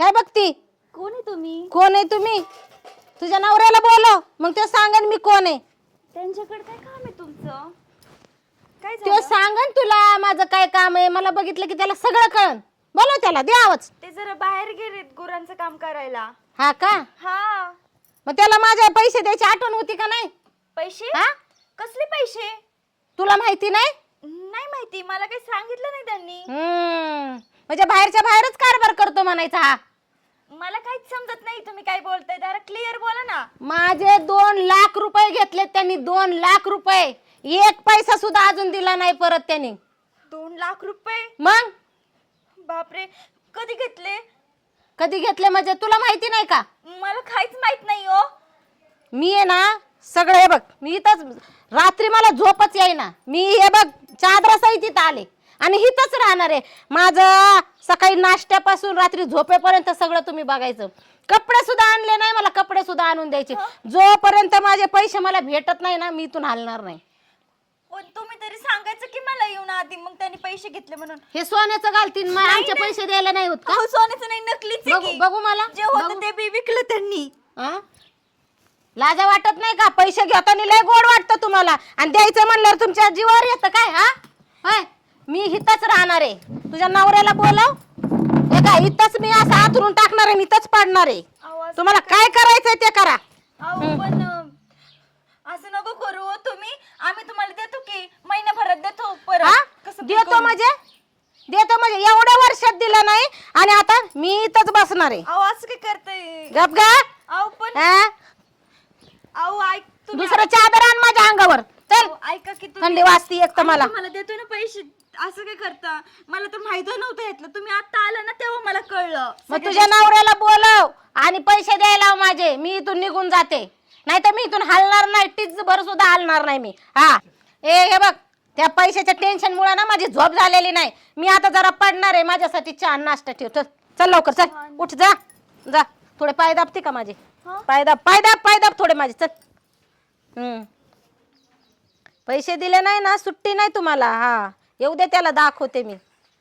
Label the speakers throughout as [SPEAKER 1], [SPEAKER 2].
[SPEAKER 1] काय बघती?
[SPEAKER 2] कोण आहे तुम्ही?
[SPEAKER 1] कोण आहे तुम्ही? तुझ्या नवऱ्याला बोलव, मग ते सांगन मी कोण आहे.
[SPEAKER 2] त्यांच्याकडे काय काम आहे तुमचं? काय
[SPEAKER 1] तो
[SPEAKER 2] झालं?
[SPEAKER 1] सांगन तुला माझं काय काम आहे. मला बघितलं की त्याला सगळं कळन. बोलव त्याला, दे आवाज.
[SPEAKER 2] ते जरा बाहेर गेलेत गुरांचं काम करायला.
[SPEAKER 1] हा का?
[SPEAKER 2] हा.
[SPEAKER 1] मग त्याला माझे पैसे द्यायची आठवण होती का नाही?
[SPEAKER 2] पैसे?
[SPEAKER 1] हा?
[SPEAKER 2] कसले पैसे?
[SPEAKER 1] तुला माहिती नाही?
[SPEAKER 2] नाही माहिती, मला काही सांगितलं नाही त्यांनी.
[SPEAKER 1] म्हणजे बाहेरच्या बाहेरच कारभार करतो म्हणायचा हा.
[SPEAKER 2] मला काहीच समजत नाही तुम्ही काय बोलताय. जरा क्लिअर बोला ना.
[SPEAKER 1] माझे 2 लाख रुपये घेतले त्यांनी. 2 लाख रुपये. 1 पैसा सुद्धा अजून दिला नाही परत त्यांनी.
[SPEAKER 2] 2 लाख रुपये?
[SPEAKER 1] मग
[SPEAKER 2] बापरे, कधी घेतले?
[SPEAKER 1] कधी घेतले म्हणजे तुला माहिती नाही का?
[SPEAKER 2] मला काहीच माहित नाही हो.
[SPEAKER 1] मी आहे ना सगळं हे बघ, मी इथंच रात्री मला झोपच येईना. मी हे बघ चादरासहित इथं आले आणि इथंच राहणार आहे. माझं सकाळी नाश्त्यापासून रात्री झोपेपर्यंत सगळं तुम्ही बघायचं. कपडे सुद्धा आणले नाही, मला कपडे सुद्धा आणून द्यायचे. जोपर्यंत माझे पैसे मला भेटत नाही ना, मी इथून हलणार नाही.
[SPEAKER 2] पण तुम्ही तरी सांगायचं की मला येऊन आधी, मग त्यांनी पैसे घेतले म्हणून.
[SPEAKER 1] हे सोन्याचं घालतीन, मग आमचे पैसे द्यायला नाही होत का?
[SPEAKER 2] अहो, सोन्याचं नाही, नकलीच आहे
[SPEAKER 1] बघू
[SPEAKER 2] की.
[SPEAKER 1] बघू मला
[SPEAKER 2] जे होतं
[SPEAKER 1] बघू.
[SPEAKER 2] ते बी विकलं त्यांनी.
[SPEAKER 1] हा? लाजा वाटत नाही का? पैसे घेताना लय गोड वाटतं तुम्हाला, आणि द्यायचं म्हणल्यावर तुमच्या जीवावर येतं काय? हा होय, मी इथंच राहणार आहे. तुझ्या नवऱ्याला बोलव. हे काय इथंच मी असं आथरून टाकणार आहे, मी इथंच पाडणार आहे.
[SPEAKER 2] आवाज-
[SPEAKER 1] तुम्हाला काय करायचंय ते करा.
[SPEAKER 2] अहो, पण असं नको करू हो तुम्ही. आम्ही तुम्हाला देतो की महिनाभरात देतो
[SPEAKER 1] हा?
[SPEAKER 2] परत. कसं
[SPEAKER 1] देतो
[SPEAKER 2] करू?
[SPEAKER 1] म्हणजे एवढ्या वर्षात दिलं नाही आणि आता मी इथंच बसणार आहे.
[SPEAKER 2] अहो, असं काय करताय?
[SPEAKER 1] गप गा.
[SPEAKER 2] अहो पण
[SPEAKER 1] हा?
[SPEAKER 2] अहो ऐक तुम्ही.
[SPEAKER 1] दुसरं चादर आण माझ्या अंगावर. चल,
[SPEAKER 2] अहो, ऐका की तुम्ही.
[SPEAKER 1] थंडी वाजती एक तर
[SPEAKER 2] आम्ही
[SPEAKER 1] मला.
[SPEAKER 2] तुम्हाला देतो ना पैसे. असं काय करता? मला तर माहित नव्हतं यातलं. तुम्ही आता आला ना तेव्हा मला कळलं.
[SPEAKER 1] मग तुझ्या नवऱ्याला बोलव आणि पैसे द्यायला लाव माझे. मी इथून निघून जाते, नाही तर मी इथून हलणार नाही. टीच भर सुद्धा हलणार नाही मी. हा, हे बघ, त्या पैशाच्या टेन्शन मुळे ना माझी झोप झालेली नाही. मी आता जरा पडणार आहे. माझ्यासाठी चहा नाश्ता ठेव. चल लवकर, चल उठ, जा जा. थोडे पाय दाबते का माझे?
[SPEAKER 2] हा?
[SPEAKER 1] पाय दाब थोडे माझे. चल. पैसे दिले नाही ना, सुट्टी नाही तुम्हाला. हा, येऊ दे त्याला, दाखवते मी.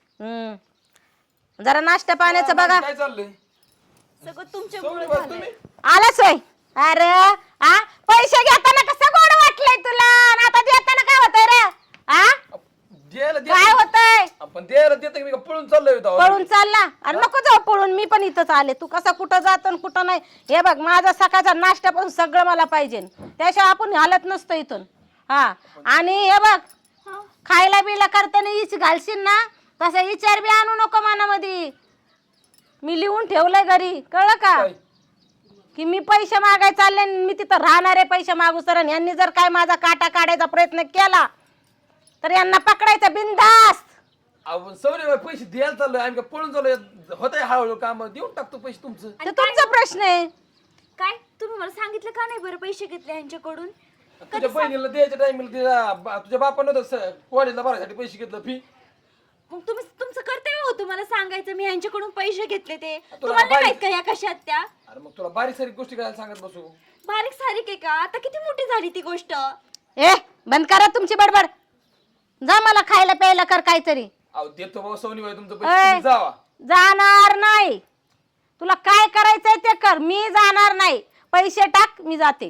[SPEAKER 1] जरा नाश्ता पाण्याचं बघा.
[SPEAKER 3] काय चाललंय?
[SPEAKER 2] सगळं तुमच्या
[SPEAKER 3] सगळे
[SPEAKER 2] मुळे
[SPEAKER 3] बस
[SPEAKER 2] झालंय.
[SPEAKER 3] तुम्ही.
[SPEAKER 1] आलाच होय. अरे आ, पैसे घेताना कसं गोड वाटलंय तुला, आणि आता देताना काय होतंय रे? आ,
[SPEAKER 3] द्यायला
[SPEAKER 1] काय होतंय?
[SPEAKER 3] आपण द्यायला देतो की मी का पळून चाललोय इथं?
[SPEAKER 1] पळून चालला? अरे नको जाऊ पळून, मी पण इथंच आले. तू कसा कुठं जातो आणि कुठं नाही. हे बघ, माझा सकाळचा नाश्ता पण सगळं मला पाहिजे, त्याशिवाय आपण हालत नसतो इथून. हा, आणि हे बघ,
[SPEAKER 2] हा?
[SPEAKER 1] खायला बिला करताना इच घालशील ना, तसा विचार बी आणू नको मनामध्ये. मी लिहून ठेवलंय घरी, कळलं का?
[SPEAKER 3] काय?
[SPEAKER 1] की मी पैसे मागाय चालले आणि मी तिथं राहणार आहे पैसे मागू सर. यांनी जर काय माझा काटा काढायचा प्रयत्न केला तर यांना पकडायचं बिनधास्त.
[SPEAKER 3] आपण सवरे पैसे द्यायला चाललोय, आम्ही का पळून चाललोय? होत आहे हळूहळू काम, देऊन टाकतो पैसे तुमचं.
[SPEAKER 1] तर तुमचा प्रश्न आहे.
[SPEAKER 2] काय तुम्ही मला सांगितलं का नाही बरं पैसे घेतले यांच्याकडून?
[SPEAKER 3] तुझ्या बहिणीला द्यायच्या टाइमला तुझ्या बापानं होतं कॉलेजला भरायसाठी पैसे घेतलं फी.
[SPEAKER 2] मग तुम्ही तुमचं कर्तव्य होतं मला सांगायचं मी यांच्याकडून पैसे घेतले ते.
[SPEAKER 3] तुला
[SPEAKER 2] तुम्हाला नाही माहित
[SPEAKER 3] बारीक-
[SPEAKER 2] का या कशात त्या?
[SPEAKER 3] अरे मग तुला बारीक सारीक गोष्टी काय सांगत बसू?
[SPEAKER 2] बारीक सारीक आहे का? आता किती मोठी झाली ती गोष्ट.
[SPEAKER 1] ए, बंद करा तुमची बडबड. जा, मला खायला प्यायला कर काहीतरी.
[SPEAKER 3] अहो देतो बाबा सोनी बाई तुमचं
[SPEAKER 1] ए,
[SPEAKER 3] पैसे, तुम्ही जावा.
[SPEAKER 1] जाणार नाही. तुला काय करायचंय ते कर, मी जाणार नाही. पैसे टाक, मी जाते.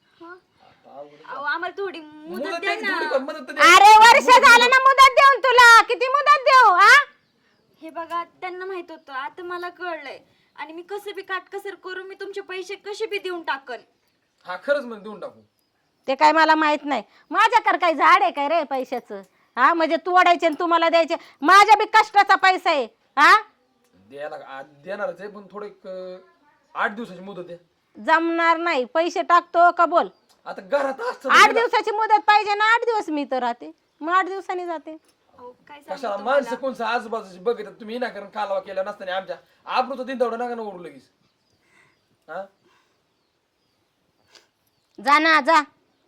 [SPEAKER 2] अहो, आम्हाला थोडी मुदत
[SPEAKER 3] मुदत
[SPEAKER 2] द्या
[SPEAKER 3] द्यायची,
[SPEAKER 2] ना.
[SPEAKER 3] थोडीफार मदत तर द्या.
[SPEAKER 1] अरे वर्ष झालं ना मुदत देऊन तुला. किती मुदत देऊ? हा,
[SPEAKER 2] हे बघा, त्यांना माहित होतं, आता मला कळलंय. आणि मी कसं बी काटकसर करून मी तुमचे पैसे कसे बी देऊन टाकन.
[SPEAKER 3] हा खरंच म्हणजे देऊन टाकू.
[SPEAKER 1] ते काय मला माहित नाही. माझ्याकडे काय झाड आहे काय रे पैशाचं? हा, म्हणजे तू ओढायचे आणि तुम्हाला द्यायचे. माझ्या बी कष्टाचा पैसा आहे. हा,
[SPEAKER 3] देणारच आहे, पण थोडे 8 दिवसाची मुदत द्या.
[SPEAKER 1] जमणार नाही. पैसे टाकतो का बोल?
[SPEAKER 3] आता घरात असतं
[SPEAKER 1] 8 दिवसाची मुदत पाहिजे ना. 8 दिवस मी तर राहते, मग 8 दिवसांनी जाते.
[SPEAKER 2] अहो, काय सांगू
[SPEAKER 3] कशाला
[SPEAKER 2] तुम्हाला?
[SPEAKER 3] माणसं कोणचं आजूबाजूची बघितलं तुम्ही ना, कारण कालवा केला नसताना आमच्या आबरूचं दिन तेवढं नका ना ओढू लगेच. हा,
[SPEAKER 1] जा ना, जा.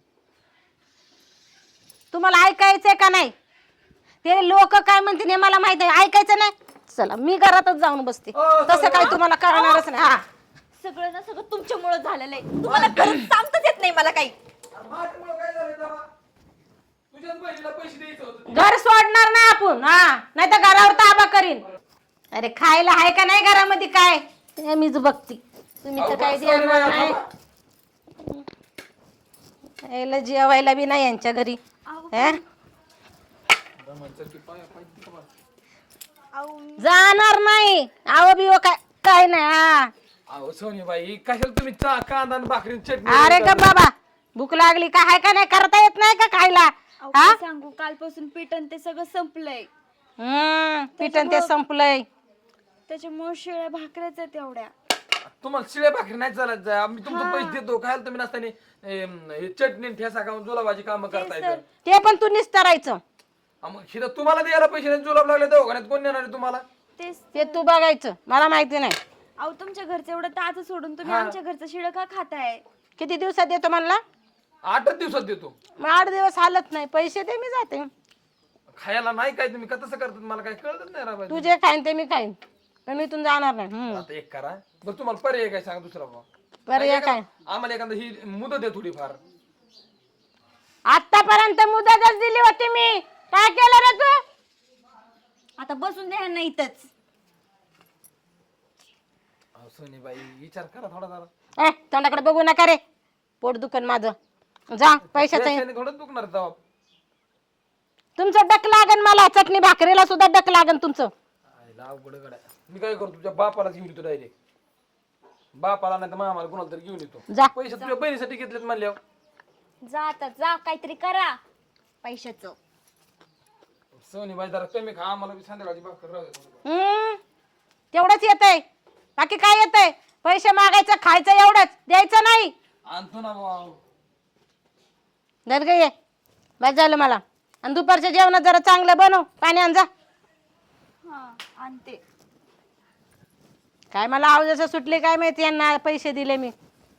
[SPEAKER 1] तुम्हाला ऐकायचंय का नाही? ते लोक काय म्हणतील हे मला माहित आहे. ऐकायचं नाही? चला, मी घरातच जाऊन बसते. तसं काय तुम्हाला कळणारच नाही. हा,
[SPEAKER 2] सगळं ना सगळं तुमच्यामुळे झालेलं आहे. तुम्हाला खरंच सांगताच येत नाही मला काही.
[SPEAKER 3] अरे माझ्यामुळं काय झालंय तेव्हा? तुझ्याच बहिणीला पैसे द्यायचं होतं.
[SPEAKER 1] घर सोडणार नाही आपण. हा, नाही तर घरावर ताबा करीन. अरे खायला आहे का नाही घरामध्ये काय? ते मीच बघती. तुम्ही तर
[SPEAKER 3] अहो,
[SPEAKER 1] काय
[SPEAKER 3] बस
[SPEAKER 1] द्या
[SPEAKER 3] sorry बाई,
[SPEAKER 1] नाही. यायला जेवायला बी नाही यांच्या घरी.
[SPEAKER 2] अहो
[SPEAKER 1] हे?
[SPEAKER 3] चल की पाय.
[SPEAKER 2] अहो
[SPEAKER 1] जाणार नाही. आव बिव काय काय नाही. हा.
[SPEAKER 3] अहो सोनीबाई कशाला तुम्ही कांदा आणि भाकरी आणि चटणी
[SPEAKER 1] अरे का बाबा भूक लागली का हाय का नाही करता येत नाही का खायला?
[SPEAKER 2] अहो,
[SPEAKER 1] हा?
[SPEAKER 2] काय सांगू कालपासून पिठण ते सगळं संपलंय.
[SPEAKER 1] पिठन ते संपलंय.
[SPEAKER 2] त्याच्यामुळे शिळ्या भाकऱ्याच आहेत एवढ्या.
[SPEAKER 3] तुम्हाला शिळे भाकरी नाही चालत जाय आम्ही तुमचे पैसे देतो खायला तुम्ही नसताना हे चटणी आणि ठेसा खाऊन जुलाबाची कामं करता येतं.
[SPEAKER 1] ते पण तू निस्तरायचं.
[SPEAKER 3] मग शिदा तुम्हाला द्यायला पैसे नाही जुलाब लागले दवाखान्यात कोण देणार आहे तुम्हाला?
[SPEAKER 2] तेच
[SPEAKER 1] ते तू बघायचं मला माहिती नाही.
[SPEAKER 2] अहो तुमच्या घरचं एवढं ताज सोडून तुम्ही आमच्या घरचं शिळं का खाताय?
[SPEAKER 1] किती दिवसात देतो म्हणला?
[SPEAKER 3] 8 दिवसात देतो.
[SPEAKER 1] मग 8 दिवस हालत नाही. पैसे दे मी जाते.
[SPEAKER 3] खायला नाही काय तुम्ही का तसं करतात मला काय कळतच नाही राव.
[SPEAKER 1] तू जे खाईन ते मी खाईन पण मी इथून जाणार नाही.
[SPEAKER 3] आता एक करा बरं तुम्हाला पर्याय काय सांगा दुसरा बा
[SPEAKER 1] पर्याय काय?
[SPEAKER 3] आम्हाला एखादा ही मुदत आहे थोडीफार.
[SPEAKER 1] आतापर्यंत मुदतच दिली होती मी. काय केलं रे तू?
[SPEAKER 2] आता बसून द्या ना इथंच.
[SPEAKER 3] अहो सोनीबाई विचार करा थोडा जरा.
[SPEAKER 1] तोंडाकडे बघू नका रे. पोट दुखन माझं. जा पैशाचं.
[SPEAKER 3] पैशाने थोडंच दुखणार जबाब.
[SPEAKER 1] तुमचं डक लागन मला. चटणी भाकरीला सुद्धा डक लागन तुमचं.
[SPEAKER 3] आईला अवघड गड्या. मी काय करतो तुझ्या बापालाच घेऊन येतो डायरेक्ट. बापाला नाही तर मामाला कोणाला तरी घेऊन येतो.
[SPEAKER 1] जा.
[SPEAKER 3] पैसे तुझ्या बहिणीसाठी घेतलेत म्हणल्यावर.
[SPEAKER 2] जा आता जा काहीतरी करा पैशाचं.
[SPEAKER 3] सोनीबाई जरा कमी खा आम्हाला बी संध्याकाळची भाकर राहू दे.
[SPEAKER 1] तेवढंच येतंय. बाकी काय येतंय? पैसे मागायचं खायचं एवढंच द्यायचं नाही.
[SPEAKER 3] आणतो ना भाऊ.
[SPEAKER 1] धर गे ये. बस झालं मला. आणि दुपारच्या जेवणात जरा चांगलं बनव. पाणी आण जा.
[SPEAKER 2] हा आणते.
[SPEAKER 1] काय मला आव जसं सुटले काय माहिती यांना पैसे दिले मी.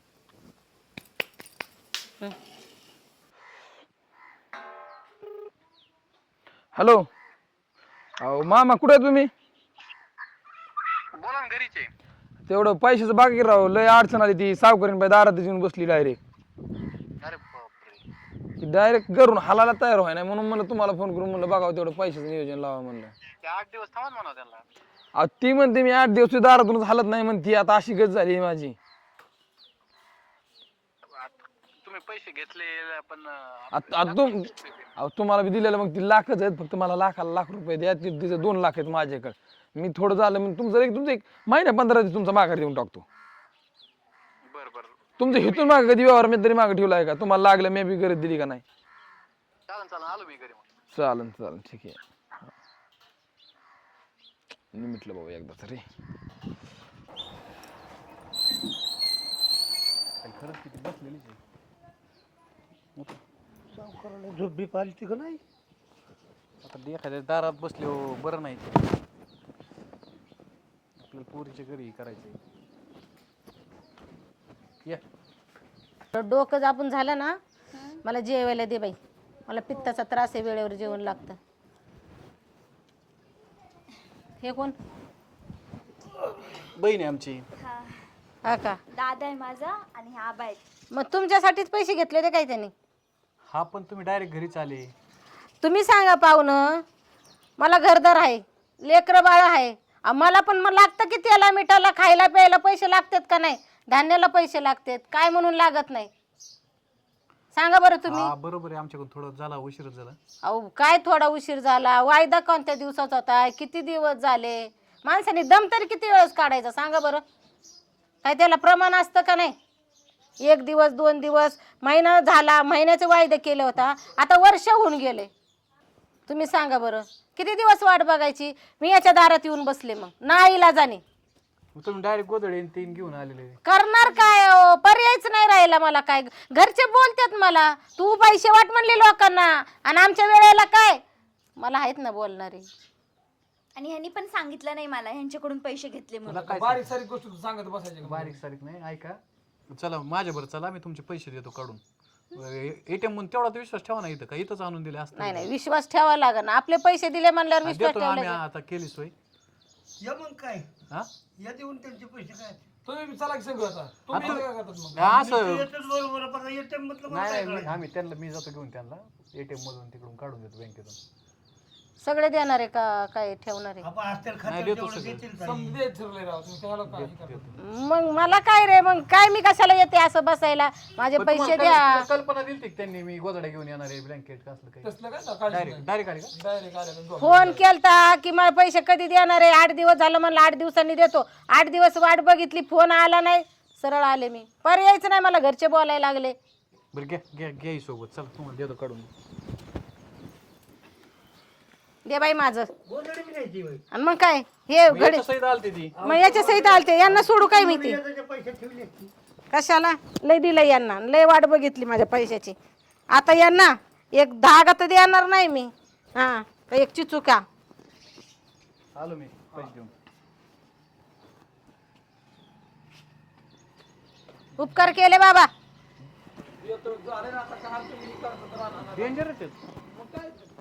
[SPEAKER 3] हॅलो अहो मामा कुठे आहे तुम्ही?
[SPEAKER 4] बोला ना घरीच आहे.
[SPEAKER 3] तेवढं पैशाचं बाकी राहू लय अडचण आली ती सावकारीन बाई दारात येऊन बसली डायरेक्ट.
[SPEAKER 4] अरे बापरे.
[SPEAKER 3] ती डायरेक्ट घरून हालायला तयार व्हाय नाही म्हणून म्हणलं तुम्हाला फोन करून म्हणलं बघावं तेवढं पैशाचं नियोजन लावा म्हणलं.
[SPEAKER 4] ते 8 दिवस थांबा म्हणा त्यांना.
[SPEAKER 3] अहो ती म्हणते मी 8 दिवस दारातूनच हालत नाही म्हणती. आता अशी गत झाली माझी.
[SPEAKER 4] तुम्ही पैसे घेतले पण
[SPEAKER 3] अहो तुम्हाला बी दिलेलं मग ती लाखच आहेत फक्त मला लाखाला लाख रुपये द्या. तिचं 2 लाख आहेत माझ्याकडे. मी थोडं झालं मग तुमचं एक महिना 15 दिवस तुमचा माघार देऊन टाकतो.
[SPEAKER 4] बर बर
[SPEAKER 3] तुमचं हिथून मागे कधी व्यवहार मी तरी मागे ठेवला आहे का? तुम्हाला लागलं मी बी गरज दिली का नाही?
[SPEAKER 4] चालन चालन आलो मी घरी मग.
[SPEAKER 3] चालन ठीक आहे. मी म्हटलं बाबा एकदा तरी खरंच किती बसलेली
[SPEAKER 5] झोप बी पाहिली का नाही?
[SPEAKER 6] आता एखाद्या दारात बसले हो बरं नाही. आपल्याला पोरीच्या घरी करायचंय. या
[SPEAKER 1] डोकं जापून झालं ना मला जेवायला दे बाई. मला पित्ताचा त्रास आहे. वेळेवर जेवण लागतं. हे कोण?
[SPEAKER 6] बहीण आहे आमची.
[SPEAKER 2] हा
[SPEAKER 1] हा का?
[SPEAKER 2] दादा आहे माझा आणि हा आबा आहेत.
[SPEAKER 1] मग तुमच्यासाठीच पैसे घेतले ते काय त्यांनी?
[SPEAKER 6] हा पण तुम्ही डायरेक्ट घरीच आले.
[SPEAKER 1] तुम्ही सांगा पाहुणं. मला घरदार आहे. लेकरं बाळ आहे. मला पण मग लागतं की त्याला मिठाला खायला प्यायला पैसे लागतात का नाही? धान्याला पैसे लागतात काय म्हणून लागत नाही? सांगा बरं तुम्ही.
[SPEAKER 6] हा बरोबर आहे. आमच्याकडून थोडं झाला उशीरच झाला.
[SPEAKER 1] अहो काय थोडा उशीर झाला? वायदा कोणत्या दिवसाचा होता? किती दिवस झाले? माणसाने दम तरी किती वेळेस काढायचा सांगा बरं? काय त्याला प्रमाण असतं का नाही? 1 दिवस 2 दिवस महिना झाला. महिन्याचे वायदे केले होता. आता वर्ष होऊन गेले. तुम्ही सांगा बरं किती दिवस वाट बघायची? मी याच्या दारात येऊन बसले मग नाईलाजाने.
[SPEAKER 6] मग तुम्ही डायरेक्ट गोदडे 3 घेऊन आलेले.
[SPEAKER 1] करणार काय? पर्यायच नाही राहिला मला. काय घरचे बोलतात मला तू पैसे वाट म्हणले लोकांना आणि आमच्या वेळेला काय? मला आहेत ना बोलणारे.
[SPEAKER 2] आणि ह्यांनी पण सांगितलं नाही मला ह्यांच्याकडून पैसे घेतले म्हणून.
[SPEAKER 6] काय
[SPEAKER 3] बारीक सारीक गोष्ट तू सांगत बसायची का?
[SPEAKER 6] बारीक सारीक नाही. ऐका चला माझ्याबरोबर चला मी तुमचे पैसे देतो काढून. एटीएम म्हणून तेवढा विश्वास ठेवा ना. इथं का इथंच आणून दिले असतं.
[SPEAKER 1] नाही विश्वास ठेवावा लागेल ना. आपले पैसे दिले म्हणल्यावर विश्वास
[SPEAKER 6] देतो आम्ही.
[SPEAKER 1] ठेवला.
[SPEAKER 6] आता केली सोय.
[SPEAKER 5] या मग काय
[SPEAKER 6] हा
[SPEAKER 5] या देऊन त्यांचे पैसे काय
[SPEAKER 3] तुम्ही बी चला की संग आता. तुम्ही इथं काय करतात मग?
[SPEAKER 6] असं
[SPEAKER 5] येतच बरोबर पण ATM म्हटलं मला
[SPEAKER 6] नाही
[SPEAKER 5] काय
[SPEAKER 6] नाही
[SPEAKER 5] करायचं?
[SPEAKER 6] आम्ही त्यांना मी जातो घेऊन त्यांना एटीएम मधून तिकडून काढून देतो बँकेतून.
[SPEAKER 1] सगळे देणार आहे का काय ठेवणार आहे?
[SPEAKER 5] आपण असतील
[SPEAKER 6] नाही,
[SPEAKER 5] खात्यात
[SPEAKER 6] देतो
[SPEAKER 5] तेवढं
[SPEAKER 6] सगळं.
[SPEAKER 5] देतील ताई.
[SPEAKER 3] समजे ठरले राव तुम्ही त्याला काय करता?
[SPEAKER 1] मग मला काय रे, मग काय मी कशाला येते असं बसायला? माझे
[SPEAKER 6] पण
[SPEAKER 1] पैसे
[SPEAKER 6] तुम्हाला
[SPEAKER 1] द्या.
[SPEAKER 6] कल्पना- कल्पना दिली की त्यांनी मी गोदड्या घेऊन येणार आहे ब्लँकेट असलं काही
[SPEAKER 3] तसलं काय ना काळजी
[SPEAKER 6] डायरेक्ट डायरेक्ट आली का
[SPEAKER 3] डायरेक्ट आले ना
[SPEAKER 1] फोन केलता की मला पैसे कधी देणार आहे? 8 दिवस झालं म्हणलं 8 दिवसांनी देतो. 8 दिवस वाट बघितली, फोन आला नाही, सरळ आले मी. पर्यायच नाही, मला घरचे बोलायला लागले.
[SPEAKER 6] बरं घ्या घ्या घ्या सोबत चला तुम्हाला देतो काढून
[SPEAKER 1] दे बाई माझं.
[SPEAKER 5] गोधडी बी द्यायची बाई.
[SPEAKER 1] आणि मग काय हे घडी
[SPEAKER 6] सहित आलते ती
[SPEAKER 1] मग याच्या सहित आलते, यांना सोडू काय मी ते?
[SPEAKER 5] याचे पैसे ठेवले असते.
[SPEAKER 1] कशाला? लय दिलं यांना, लय वाट बघितली माझ्या पैशाची. आता यांना एक धागा तर देणार नाही मी. हा, तर एक चिचुका.
[SPEAKER 6] आलो मी पैसे देऊन
[SPEAKER 1] उपकार केले बाबा.
[SPEAKER 6] डेंजर आहे ते.